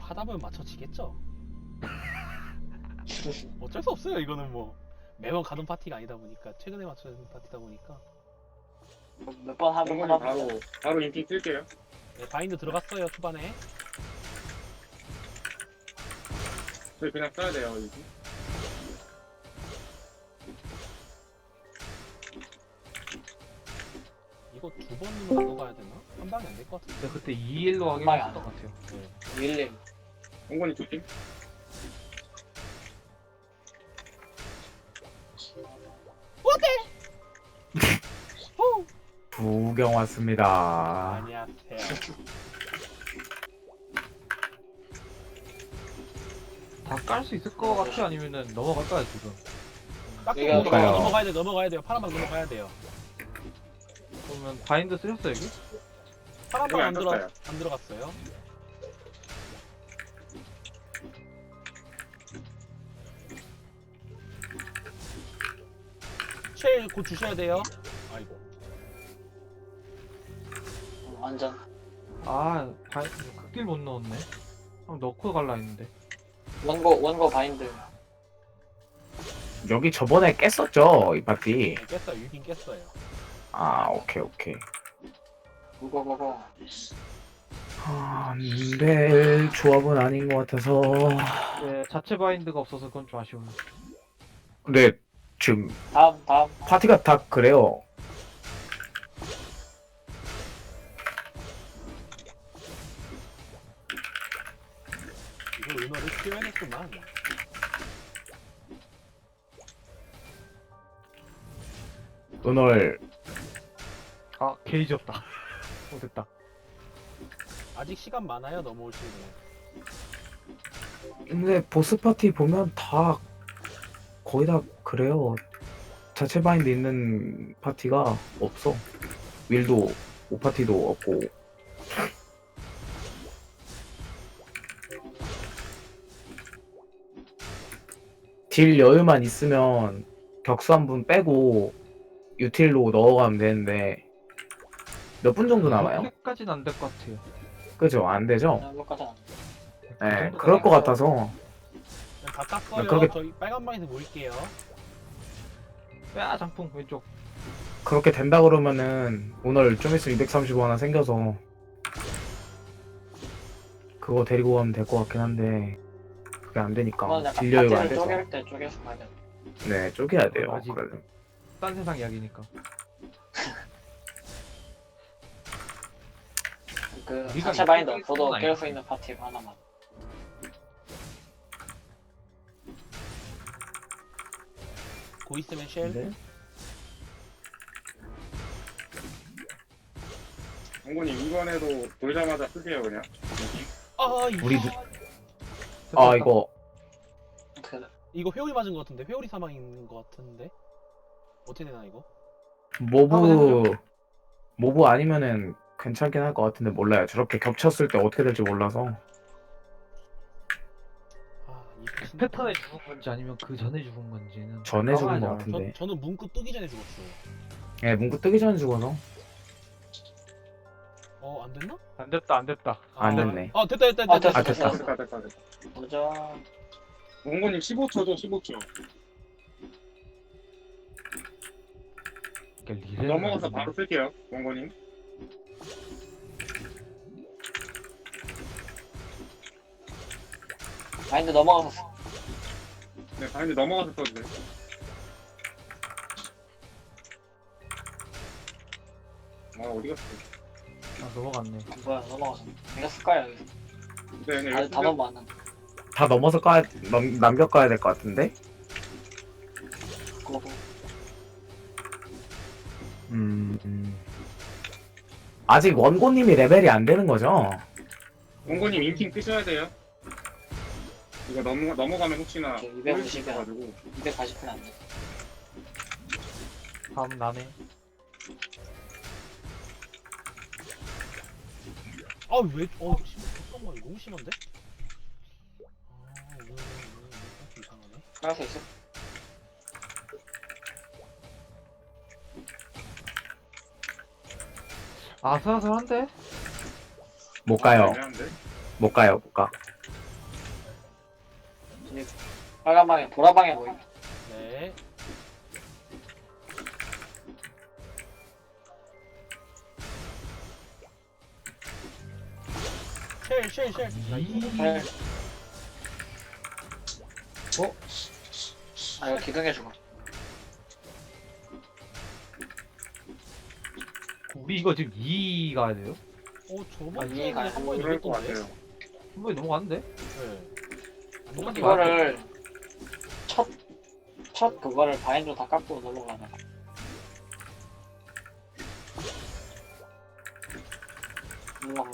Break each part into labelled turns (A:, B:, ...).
A: 하다 보면 맞춰지겠죠. 어쩔 수 없어요. 이거는 뭐 매번 가던 파티가 아니다 보니까 최근에 맞춰진 파티다 보니까.
B: 몇 번 하면
C: 정권이
B: 하다
C: 바로
B: 보면
C: 바로 인팅 쓸게요.
A: 네, 바인드 들어갔어요 초반에.
C: 저희 그냥 써야 돼요 이거.
A: 이거 두 번으로 넘어가야 되나? 한 방에 안 될 것 같은데.
D: 근데 그때 2일로 하긴
B: 엄마야.
D: 했었던 것 같아요.
A: 네.
B: 윌림
C: 정권이 조심.
E: 구경 왔습니다.
A: 안녕하세요.
D: 다 깔 수 있을 것 같아? 아니면은 넘어갈까요 지금?
A: 딱
B: 내가
A: 넘어가야 돼. 넘어가야 돼요. 파란방 넘어가야 돼요.
D: 그러면 바인드 쓰셨어요 여기?
A: 파란방
C: 안 떴어요.
A: 안 들어갔어요. 쉘 곧 주셔야 돼요. 아이고.
B: 완전
D: 아 바인드 극딜 못 넣었네. 한번 넣고 갈라 했는데.
B: 원고 바인드
E: 여기 저번에 깼었죠 이 파티.
A: 네, 깼어요. 유긴 깼어요.
E: 아 오케이 오케이.
B: 그거
E: 안될 조합은 아닌 것 같아서.
D: 네, 자체 바인드가 없어서 그건 좀 아쉬운.
E: 근데 지금
B: 다음
E: 파티가 다 그래요.
A: 이거 은어를 키워야겠구만.
E: 오늘
D: 아 게이지 없다. 됐다.
A: 아직 시간 많아요. 넘어올 수 있는.
E: 근데 보스 파티 보면 다 거의 다 그래요. 자체 바인드 있는 파티가 없어. 윌도 5파티도 없고. 딜 여유만 있으면 격수 한 분 빼고 유틸로 넣어가면 되는데 몇 분 정도 남아요?
D: 그렇게까지는 안 될 것 같아요.
E: 그죠? 안 되죠?
B: 몇까지 안
E: 네, 그럴 것 같아서.
A: 그냥 다 땄어요.
E: 그렇게-
A: 저희 빨간 방에서 모일게요.
D: 야 장풍 왼쪽.
E: 그렇게 된다 그러면은 오늘 좀 있으면 235 하나 생겨서 그거 데리고 가면 될 것 같긴 한데 그게 안 되니까
B: 그건 약간
E: 딜 여유가 안
B: 파티를
E: 돼서.
B: 쪼갤 때 쪼개서 가야 돼.
E: 네, 쪼개야 돼요.
D: 아직-
E: 그래도.
D: 딴 세상 이야기니까.
B: 그
D: 우리가
B: 자체 바인드
D: 이거
B: 없어도
D: 아니야.
B: 깰 수 있는 파티 하나만.
A: 고 있으면 쉘.
E: 네?
C: 정권이 이번에도 돌자마자 쓰세요 그냥.
A: 아
E: 우리
A: 이거
E: 아 이거
B: 그
A: 이거 회오리 맞은 것 같은데 회오리 사망인 것 같은데 어떻게 되나 이거?
E: 모브 아니면은 괜찮긴 할 것 같은데 몰라요. 저렇게 겹쳤을 때 어떻게 될지 몰라서.
A: 아이
D: 패턴에 죽은 건지 아니면 그 전에 죽은 건지는
E: 전에 죽은
D: 까봐야지
E: 것
D: 알아.
E: 같은데.
A: 저는 문구 뜨기 전에 죽었어요.
E: 예, 문구 뜨기 전에 죽어서.
A: 안 됐나?
D: 안 됐다 안 됐다.
E: 안 됐네.
A: 됐다.
B: 아, 됐어.
C: 됐다.
B: 도전
C: 정권님 15초죠 15초.
D: 그러니까 리레는
C: 넘어가서
D: 아니네.
C: 바로 쓸게요 정권님.
B: 바인드 넘어가서
C: 네 바인드 넘어가서 써도 돼. 아 어디 갔어?
D: 아 넘어갔네.
B: 뭐야 넘어가서 내가 쓸까요 여기서?
C: 네,
B: 아니 다 넘어왔는데
E: 다 넘어서 남겨가야 될 것 같은데?
B: 그거
E: 아직 원고님이 레벨이 안 되는 거죠?
C: 정권님 인팅 뜨셔야 돼요. 이거 넘어가면 혹시나
B: 오케이, 250 이야.
C: 있어가지고
B: 240분 안 돼.
D: 다음 나네.
A: 왜? 잠깐만 이거 너무 심한데? 오늘 이상하네.
B: 할 수 있어?
D: 아슬아슬한데?
E: 못 가요.
C: 애매한데?
E: 못 가요. 못 가.
B: 이제 빨간 방에 보라 방에 보이.
A: 네. 쉘.
B: 네.
D: 어?
B: 아 이거 기둥해주고.
D: 우리 이거 지금 2 가야 돼요?
A: 저번 주에
B: 이해가
A: 한 번에
C: 그럴 것
A: 넘겼던데.
C: 같아요.
D: 한 번에 넘어갔는데?
A: 네. 안
D: 똑같이
A: 넘어갔지.
B: 이거를 첫 그거를 바인드 다 깎고 넘어가네. 넘어가.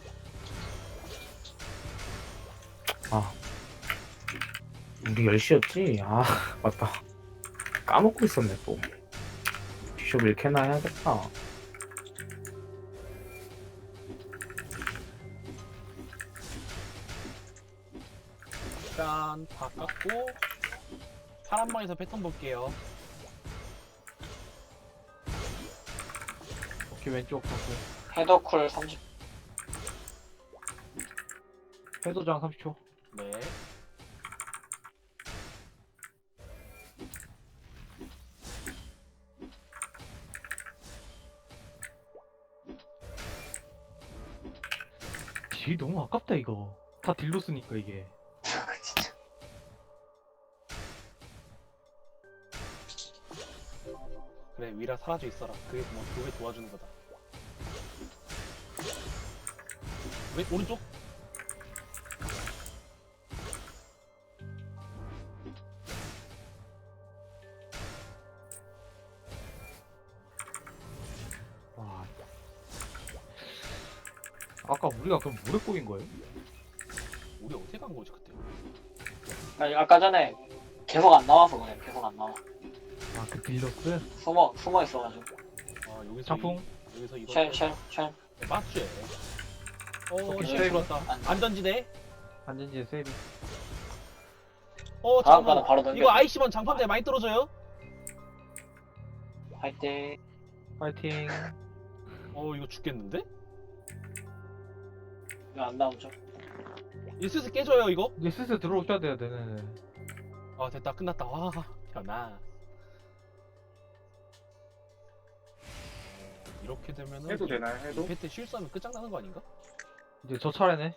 E: 우리 10시였지? 아 맞다. 까먹고 있었네 또. 비숍 1캐나 해야겠다.
A: 일단 다 깎고 파란 방에서 패턴 볼게요.
D: 오케이, 왼쪽 잡고.
B: 헤더쿨 30.
D: 해도장 30초.
A: 네.
D: 딜 너무 아깝다, 이거. 다 딜로 쓰니까, 이게.
B: 진짜.
A: 그래 위라 사라져 있어라. 그게 뭐 그게 도와주는 거다. 왜 오른쪽?
D: 와. 아까 우리가 그럼 물에 꼬인 거예요?
A: 우리 어떻게 간 거지 그때?
B: 아니 아까 전에 계속 안 나와서 그래. 계속 안 나와.
D: 아, 그 딜러스?
B: 숨어 있어가지고.
A: 아 여기서
D: 장풍?
A: 여기서 이거
B: 쉘.
A: 빠츠에.
D: 오케이,
A: 쉘
D: 세이브.
A: 들어왔다. 안전지대.
D: 안전지에 세이브.
B: 다음
A: 잠깐만.
B: 거는 바로 던져.
A: 이거 아이시번 장판대 많이 떨어져요?
B: 화이팅.
D: 파이팅.
A: 이거 죽겠는데?
B: 이거 안 나오죠?
A: 이스스 깨져요 이거?
D: 이제 슬슬 들어오셔야 돼요, 네네네.
A: 아 됐다 끝났다. 와 변나. 이렇게 되면은
C: 해도 되나요? 해도?
A: 이패 때 실수하면 끝장나는 거 아닌가?
D: 이제 저 차례네.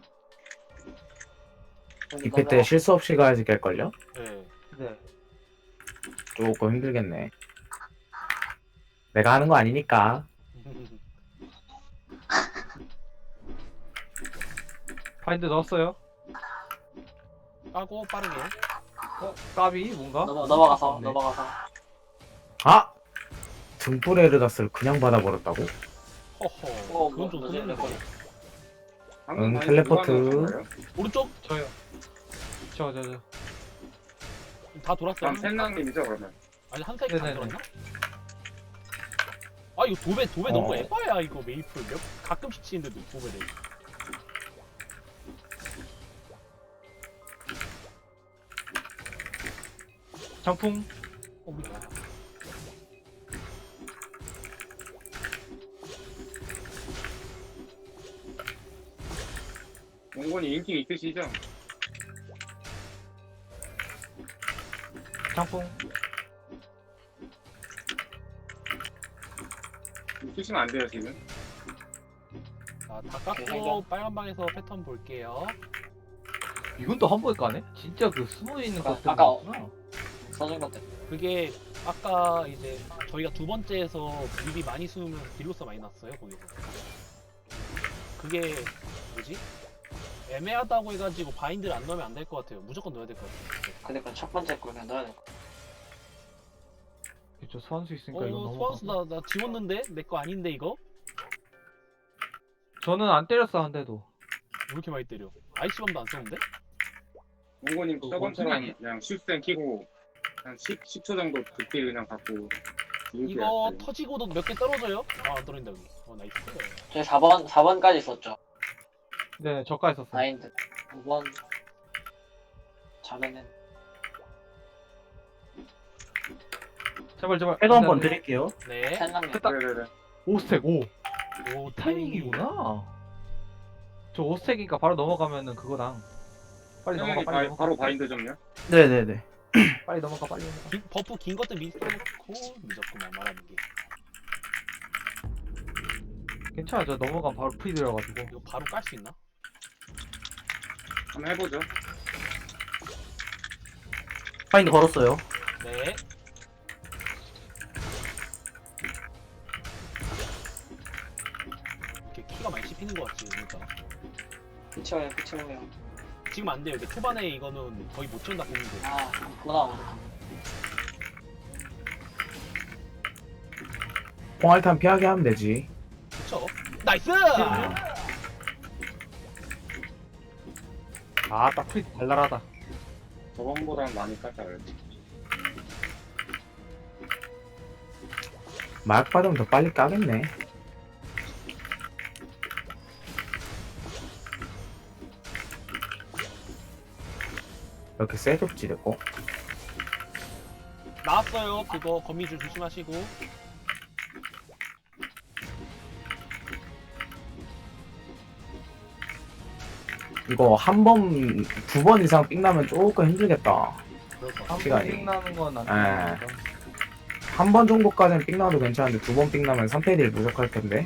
E: 이패 때 실수 없이 가야지 깰걸요?
A: 네.
D: 네.
E: 조금 힘들겠네. 내가 하는 거 아니니까.
D: 파인드 넣었어요.
A: 까고 빠르게.
D: 까비, 뭔가?
B: 넘어가서
D: 네.
B: 넘어가서.
E: 아! 등불 에르다스를 그냥 받아버렸다고?
A: 허허. 그건 좀
B: 뭐지?
A: 흔들리네.
C: 방금 바인드
E: 텔레포트.
C: 누가 넣으신 거예요?
A: 오른쪽
D: 저요. 저.
A: 다 돌았어요.
C: 다음 팬랑님이죠 그러면?
A: 아니 한 사이즈 안
D: 네네네.
A: 돌았나? 아 이거 도배 너무
E: 어.
A: 에바야 이거 메이플 가끔씩 치는데도 도배돼.
D: 장풍.
A: 뭐야?
C: 몽곤이 인기 있으시죠?
D: 장풍.
C: 쓰시면 안 돼요 지금.
A: 다 깎고 빨간 방에서 패턴 볼게요.
D: 이건 또 한 번에 까네? 진짜 그 숨어있는
B: 아까-
D: 것들
B: 아까-
D: 있구나.
B: 써준 것들.
A: 그게 아까 이제 저희가 두 번째에서 립이 많이 숨으면 딜로스 많이 났어요 거기서. 그게 뭐지? 애매하다고 해가지고 바인드를 안 넣으면 안 될 것 같아요. 무조건 넣어야 될 것 같아요.
B: 그러니까 첫 번째 거 그냥 넣어야 될 거.
D: 저 소환수 있으니까 이거 너무.
A: 소환수 나 지웠는데? 내 거 아닌데 이거?
D: 저는 안 때렸어, 한 대도.
A: 왜 이렇게 많이 때려? 아이시범도 안 썼는데?
C: 몽곤님
D: 그거
C: 저번처럼
D: 원숭이
C: 그냥 슈센 키고 한 10초 정도 극딜 그냥 받고
A: 이거 터지고도 몇 개 떨어져요? 아 안 떨어진다 여기. 나이스.
B: 저희 4번까지 썼죠.
D: 네, 저가 있었어.
B: 마인드. 5번. 잘했네.
D: 제발.
E: 해도 한번
D: 안 돼.
E: 드릴게요.
A: 네.
B: 팬랑님.
D: 됐다.
C: 네네네.
D: 5스택, 5.
A: 오
D: 타이밍이구나. 저 5스택이니까 바로 넘어가면은 그거랑. 빨리 넘어가
C: 형이
D: 빨리 넘어가.
C: 바로 바인드 좀요.
E: 네네네.
D: 빨리 넘어가 빨리 넘어가.
A: 버프 긴 것들 미리 써놓고 늦었구만 말하는 게.
D: 괜찮아 저 넘어가면 바로 프리 들어가지고.
A: 이거 바로 깔 수 있나?
C: 한번 해보죠.
E: 파인드 걸었어요.
A: 네. 이렇게 키가 많이 씹히는 것 같지 그러니까.
B: 그쵸, 그쵸.
A: 지금 안 돼요. 이게 초반에 이거는 거의 못 채운다 보면 돼.
B: 아, 그구나.
E: 공알탄 피하게 하면 되지.
A: 그쵸? 나이스!
D: 아딱 프리 발랄하다.
C: 저번보다는 많이 깎아요.
E: 마약 받으면 더 빨리 까겠네. 이렇게 셋업지 됐고.
A: 나왔어요. 그거 거미줄 조심하시고.
E: 이거 한 번, 두 번 이상 삥 나면 조금 힘들겠다.
A: 그럴 것 같아.
E: 시간이.
D: 한번 나는 건안
E: 예.
D: 좋아하니까.
E: 한 번 정도까지는 삥 나도 괜찮은데 두 번 삥 나면 3패딜 부족할 텐데.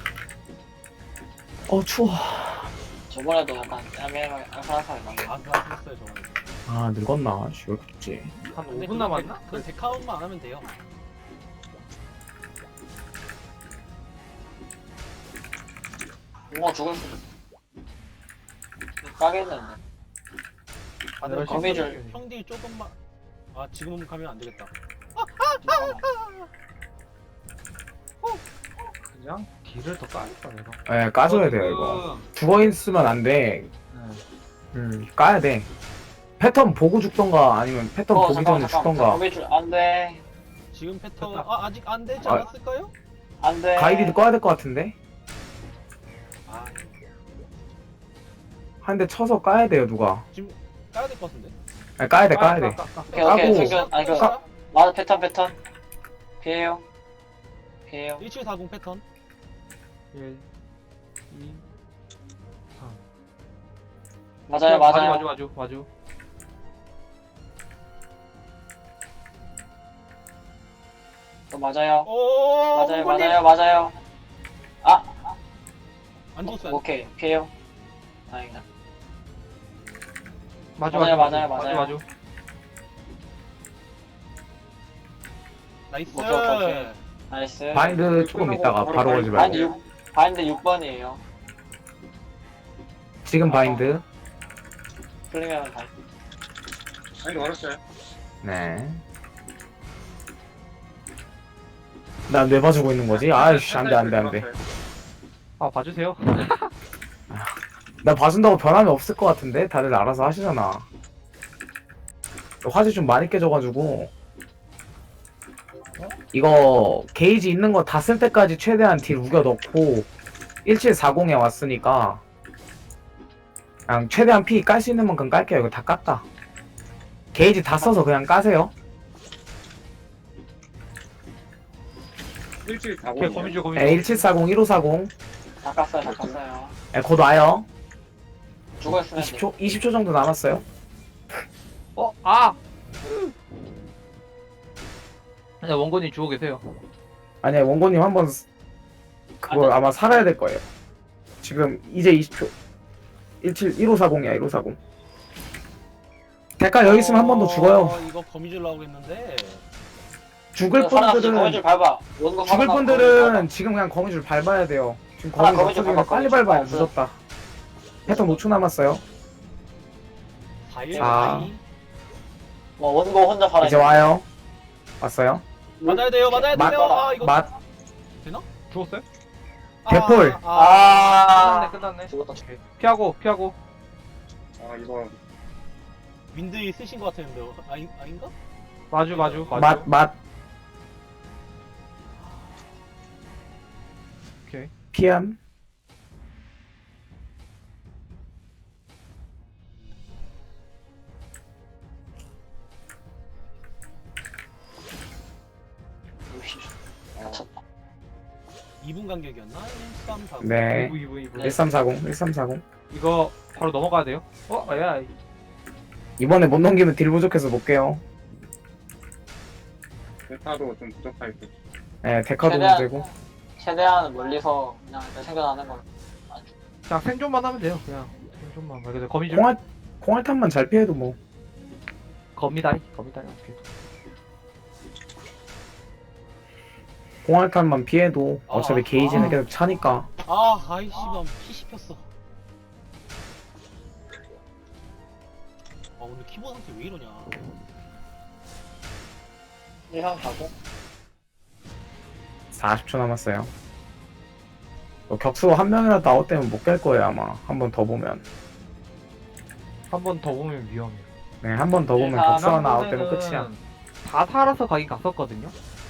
E: 추워.
B: 저번에도 약간 애매하게 나네.
A: 아슬아슬했어요 저번에.
E: 아, 늙었나? 씨, 왜 이렇게 춥지?
D: 한
A: 근데
D: 5분 남았나?
A: 그건 데카운만 안 하면 돼요.
B: 붕어 죽을 수도. 까겠는데.
A: 다들
D: 네,
B: 거미줄.
A: 형딜 조금만. 아 지금 가면 안 되겠다.
D: 그냥 길을 더 까야겠다 내가.
E: 예, 까줘야 돼요, 이거. 죽어있으면 안 돼. 까야 돼. 패턴 보고 죽던가 아니면 패턴 보기 전에 죽던가.
B: 거미줄 안 돼.
A: 지금 패턴
D: 됐다.
A: 아직 안 되지
E: 아.
A: 않았을까요?
B: 안 돼.
E: 가이디도 꺼야 될 것 같은데?
A: 아
E: 한 대 쳐서 까야 돼요, 누가.
A: 까야 될 것 같은데.
E: 아니, 까야 돼, 까야 돼.
B: 오케이, 오케이.
E: 까고.
B: 생겨. 아니, 그,
E: 까-
B: 맞아, 패턴. 피해요.
A: 1740 패턴.
D: 1, 2, 3.
B: 맞아요.
D: 마주.
B: 또 맞아요.
A: 오
B: 맞아요.
A: 안 죽었어요.
B: 오케이, 피해요. 다행이다.
D: 맞아.
A: 나이스.
B: 오케이. 나이스.
E: 바인드 조금 있다가 바로 걸지 말고.
B: 바인드 6번이에요.
E: 지금 바인드.
B: 풀리면 다.
C: 바인드 걸었어요.
E: 네. 난 왜 봐주고 있는 거지? 아이씨, 안 돼.
D: 아 봐주세요.
E: 나 봐준다고 변함이 없을 것 같은데? 다들 알아서 하시잖아. 화질 좀 많이 깨져가지고. 이거 게이지 있는 거 다 쓸 때까지 최대한 딜 우겨 넣고 1740에 왔으니까 그냥 최대한 피 깔 수 있는 만큼 깔게요. 이거 다 깠다. 게이지 다 써서 그냥 까세요.
C: 1740.
D: 오케이 거미줄.
E: 네, 1740, 1540.
B: 다 깠어요.
E: 네, 곧 와요.
B: 죽어있으면 돼.
E: 20초 정도 남았어요.
D: 아니야 원건이 주워 계세요.
E: 아니야, 원고님 한번 그거 아마 살아야 될 거예요. 지금 이제 20초. 1540이야, 1540. 대가 여기 있으면 한 번 더 죽어요.
A: 이거 거미줄 나오겠는데.
E: 죽을
B: 거미줄
E: 분들은
B: 밟아. 원고
E: 죽을
B: 살아남고
E: 분들은 지금 그냥 거미줄 밟아야 돼요. 지금 거미줄
B: 거미줄
E: 없어지면
B: 밟아,
E: 빨리
B: 거미줄
E: 밟아요.
B: 없어.
E: 늦었다. 패턴 5초 남았어요.
A: 4일
E: 아.
B: 원고 혼자 살아.
E: 이제 와요. 왔어요.
A: 맞아야 돼요. 이거
E: 맛.
D: 죽었어요?
E: 대폴.
D: 끝났네.
B: 죽었다.
D: 피하고.
C: 아, 이거
A: 윈드 쓰신 것 같았는데 아닌가?
D: 마주.
E: 맛.
D: 오케이.
E: 피함.
B: 쳤다.
A: 2분 간격이었나? 1340.
E: 네.
D: 2부.
E: 1340.
D: 이거 바로 넘어가야 돼요. 야
E: 이번에 못 넘기면 딜 부족해서 못 깨요.
C: 대타도 좀 부족할 듯.
E: 네, 데카도
B: 최대한-
E: 문제고.
B: 최대한 멀리서 그냥 생겨나는 걸.
D: 그냥 생존만 하면 돼요. 그냥 생존만. 말 그대로 거미줄.
E: 콩알탄만 잘 피해도 뭐.
D: 거미다리. 거미다리. 오케이.
E: 콩알탄만 피해도 어차피 게이지는
A: 아.
E: 계속 차니까.
A: 아이씨, 난 피 씹혔어. 오늘 키보드 상태 왜 이러냐.
B: 1형 가고.
E: 40초 남았어요. 격수 한 명이라도 아웃되면 못 깰 거예요 아마. 한 번 더 보면.
D: 한 번 더 보면 위험해요.
E: 네, 한 번 더 보면
B: 네,
E: 격수 하나
D: 지난번에는
E: 아웃되면 끝이야.
D: 다 살아서 가긴 갔었거든요.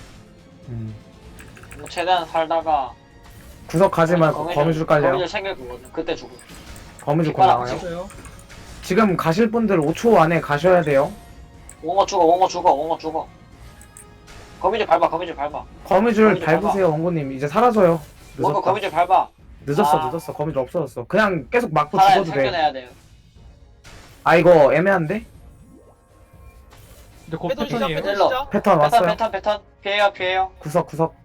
B: 뭐 최대한 살다가
E: 구석 가지 말고 거미줄 깔려요.
B: 거미줄 챙길 거거든. 그때 죽어.
E: 거미줄 곧
B: 깃발
E: 나와요.
D: 있어요.
E: 지금 가실 분들 5초 안에 가셔야 돼요.
B: 옹어 죽어. 거미줄 밟아.
E: 거미줄
B: 거미줄
E: 밟으세요 원고님. 이제 사라져요.
B: 원고
E: 늦었다.
B: 거미줄 밟아. 아.
E: 늦었어. 거미줄 없어졌어. 그냥 계속 맞고
B: 살아야
E: 죽어도 돼.
B: 생겨내야 돼요.
E: 아 이거 애매한데?
D: 근데 곧
A: 패턴 시작,
D: 패턴이에요.
A: 패턴
B: 일로.
A: 시작.
E: 패턴 왔어요.
B: 패턴. 피해요.
E: 구석.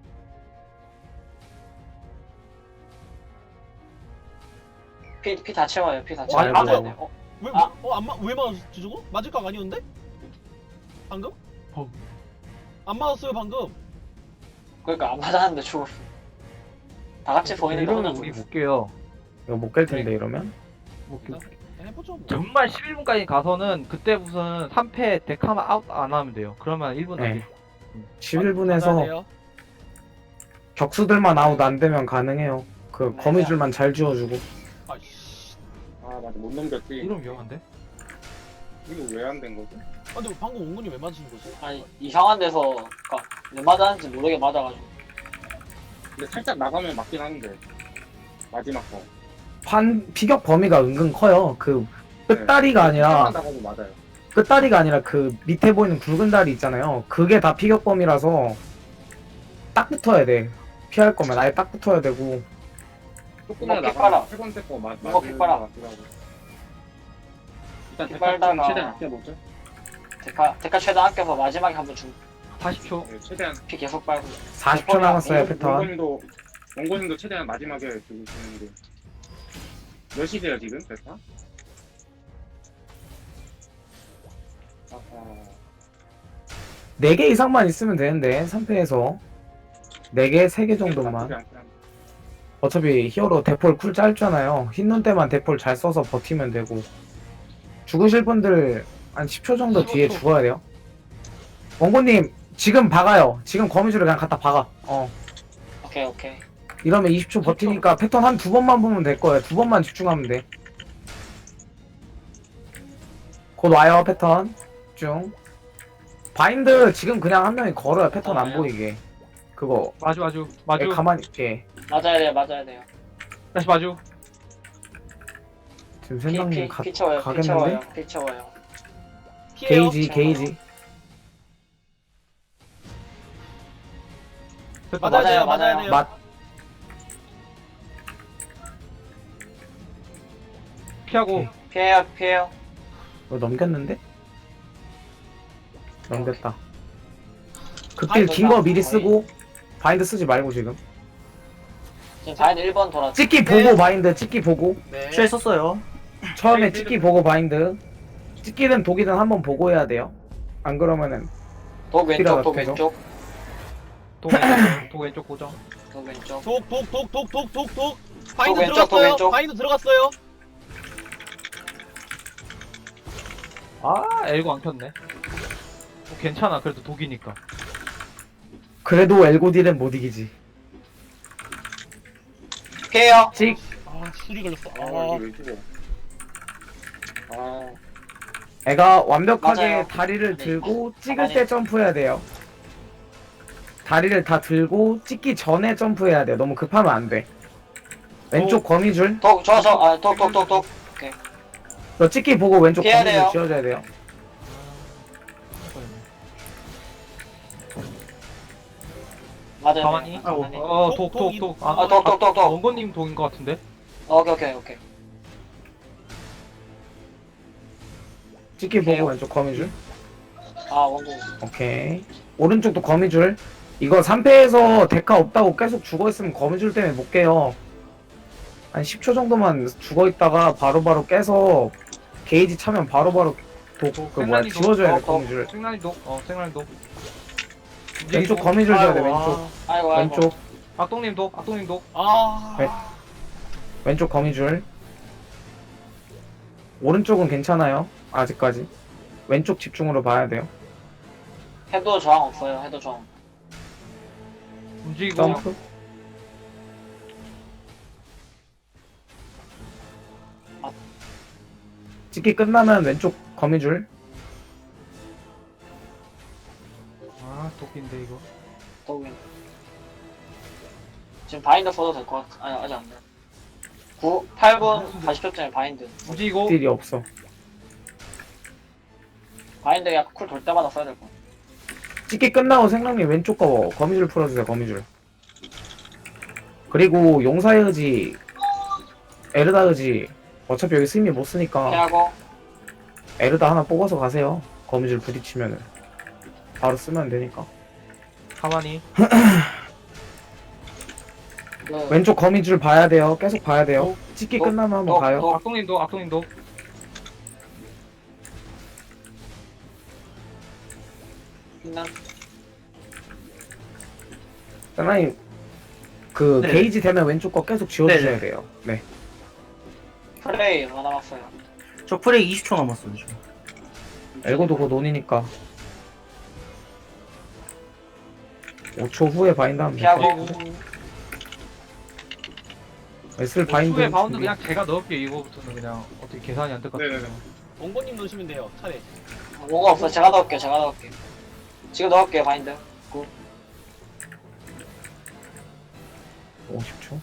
B: 피 다 채워요. 피 다
A: 와,
B: 채워야
E: 아이고.
B: 돼.
A: 왜,
B: 아.
A: 왜 맞았지, 저거? 맞을 각 아니었는데? 방금?
D: 어.
A: 안 맞았어요, 방금.
B: 그러니까 안 맞았는데 죽었어. 다 같이 보이는데 혼자
D: 이러면 우리
B: 죽었어.
D: 못 깨요.
E: 이거 못 깰 텐데 이러면.
D: 못 깨.
A: 해보죠, 뭐.
D: 정말 11분까지 가서는 그때 무슨 3패 데카만 아웃 안 하면 돼요. 그러면 1분
E: 네.
D: 안돼.
E: 11분에서
A: 맞아야 돼요.
E: 격수들만 아웃 안 되면 가능해요. 그
B: 네.
E: 거미줄만 잘 지워주고.
A: 아이씨.
C: 아 맞아 못 넘겼지.
D: 이러면 위험한데?
C: 이거 왜 안 된 거지?
A: 아, 근데 방금 옹군이 왜 맞으신 거지?
B: 아니 이상한 데서 그러니까 왜 맞았는지 모르게 맞아가지고.
C: 근데 살짝 나가면 맞긴 하는데 마지막 거.
E: 피격 범위가 은근 커요. 그 끝다리가 아니라
C: 살짝만 나가도 맞아요.
E: 끝다리가 아니라 그 밑에 보이는 굵은 다리 있잖아요. 그게 다 피격 범위라서 딱 붙어야 돼. 피할 거면 아예 딱 붙어야 되고.
C: 조금만
B: 이거 피 빨아.
C: 나가면 세 번째 거
B: 이거 피 빨아.
C: 맞더라고. 일단
B: 피
C: 대타 좀
B: 빨다가.
C: 최대한 아껴보죠.
B: 데카 최대한 아껴서 마지막에 한번
D: 40초.
C: 네, 최대한.
B: 피 계속 빨고.
E: 40초 남았어요 패턴.
C: 원고님도 최대한 마지막에 죽으시는 게. 몇 시세요 지금 대타? 아하.
E: 4개 이상만 있으면 되는데 3패에서 4개, 3개 정도만.
C: 나쁘지 않긴 한데.
E: 어차피 히어로 대폴 쿨 짧잖아요. 흰눈 때만 대폴 잘 써서 버티면 되고. 죽으실 분들 한 10초 정도 뒤에
D: 15초.
E: 죽어야 돼요. 원고님 지금 박아요. 지금 거미줄을 그냥 갖다 박아.
B: 오케이.
E: 이러면 20초 버티니까 패턴 한 2번만 보면 될 거예요. 2번만 집중하면 돼. 곧 와요 패턴. 집중. 바인드 지금 그냥 한 명이 걸어요. 패턴 안 보이게. 그거
D: 마주.
E: 가만히 있게.
B: 맞아야 돼요.
D: 다시 마주.
E: 지금 생각님
B: 피 채워요.
E: 가겠는데?
B: 피 채워요.
A: 피해요.
E: 게이지.
B: 맞아요.
A: 돼요.
E: 맞.
D: 피하고.
E: 오케이.
B: 피해요.
E: 이거 넘겼는데? 넘겼다. 극딜
B: 바인드
E: 긴 거
B: 나-
E: 미리
B: 거의.
E: 쓰고 바인드 쓰지 말고 지금.
B: 지금 바인드 1번 돌았죠.
E: 찍기 보고
A: 네.
E: 바인드 찍기 보고.
A: 네.
F: 취했었어요.
E: 처음에 찍기 보고 바인드. 찍기든 독이든 한번 보고 해야 돼요. 안 그러면은
B: 독 왼쪽,
E: 피라가
B: 독
E: 계속.
B: 왼쪽,
D: 도 왼쪽 고정.
B: 독 왼쪽.
A: 독. 바인드
B: 왼쪽, 독
A: 들어갔어요.
B: 왼쪽.
A: 바인드 들어갔어요.
D: 아, 엘고 안 켰네. 괜찮아. 그래도 독이니까.
E: 그래도 엘고딜은 못 이기지.
B: 피해요.
E: 찍.
A: 아, 술이 걸렸어.
C: 아 이게 왜 죽어? 아
E: 애가 완벽하게
B: 맞아요.
E: 다리를
B: 네.
E: 들고 찍을
B: 가만히.
E: 때 점프해야 돼요. 다리를 다 들고 찍기 전에 점프해야 돼요. 너무 급하면 안 돼. 왼쪽 거미줄.
B: 독, 독.
E: 너 찍기 보고 왼쪽
B: 피해야
E: 거미줄
B: 돼요.
E: 지어줘야 돼요.
B: 맞아요.
D: 가만히.
B: 가만히.
D: 독.
B: 아, 독.
D: 원고님 독인 것 같은데?
B: 오케이.
E: 찍기
B: 오케이.
E: 보고 왼쪽 거미줄.
B: 아 원고.
E: 오케이. 오른쪽도 거미줄. 이거 3패에서 데카 없다고 계속 죽어있으면 거미줄 때문에 못 깨요. 한 10초 정도만 죽어있다가 바로바로 깨서 게이지 차면 바로바로
D: 생란이
E: 지워줘야 돼
B: 독,
E: 거미줄.
D: 생란이 독. 생란이 독.
E: 왼쪽 거미줄 줘야 돼
A: 아이고,
E: 왼쪽.
B: 아이고 아이고.
E: 왼쪽.
D: 악동님 독. 악동님 독.
A: 아,
E: 왼쪽 거미줄. 오른쪽은 괜찮아요. 아직까지. 왼쪽 집중으로 봐야 돼요.
B: 해도 저항 없어요. 해도 저항.
D: 움직이고.
E: 점프. 찍기 끝나면 왼쪽 거미줄.
D: 아 독인데 이거.
B: 더우면. 지금 바인드 써도 될 것 같아. 아니 아직 안 돼. 8분 40초쯤에 바인드.
D: 움직이고.
E: 딜이 없어.
B: 바인드 약간 쿨 돌 때마다 써야 될 것 같아.
E: 찍기 끝나고 생각님 왼쪽 거 거미줄 풀어주세요 거미줄. 그리고 용사의 의지 에르다 의지 어차피 여기 스미 못 쓰니까
B: 피하고.
E: 에르다 하나 뽑아서 가세요. 거미줄 부딪히면은 바로 쓰면 되니까.
D: 가만히.
B: 그,
E: 왼쪽 거미줄 봐야 돼요. 계속 봐야 돼요. 찍기 끝나면 한번 가요.
D: 악동님 독. 악동님 독.
B: 빛난.
E: 사장님 그
F: 네.
E: 게이지 되면 왼쪽 거 계속 지워주셔야 돼요. 네.
B: 프레이 얼마 남았어요?
F: 저 프레이 20초 남았어요. 지금.
E: 엘고도 곧 논이니까 5초 후에 바인드 하면
B: 피하고.
E: 슬 바인드
D: 후에 바운드
E: 준비.
D: 그냥 제가 넣을게요. 이거부터는 그냥 어떻게 계산이 안 될 것 같아요.
C: 네네네.
A: 원고님 넣으시면 돼요. 차례.
B: 뭐가 없어. 제가 넣을게요. 제가 넣을게요. 지금 넣을게요. 바인드.
E: 50초.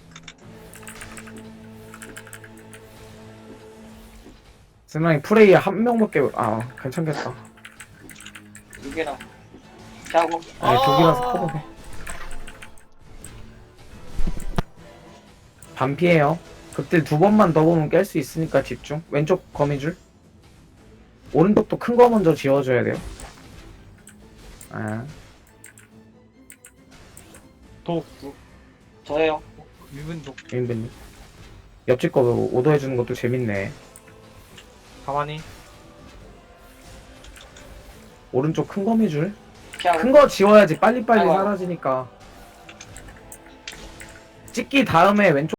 E: 세상에 프레이 한 명밖에 괜찮겠다.
B: 6이라. 피하고.
E: 아니 독이라서 커버돼. 반피해요. 그때 두 번만 더 보면 깰 수 있으니까 집중. 왼쪽 거미줄. 오른쪽도 큰 거 먼저 지워줘야 돼요.
D: 독.
B: 저예요.
D: 유분 독.
E: 민빈님. 옆집 거 오더해주는 것도 재밌네.
D: 가만히.
E: 오른쪽 큰 거미줄.
B: 피하고.
E: 큰 거 지워야지 빨리빨리
B: 아이고.
E: 사라지니까. 찍기 다음에 왼쪽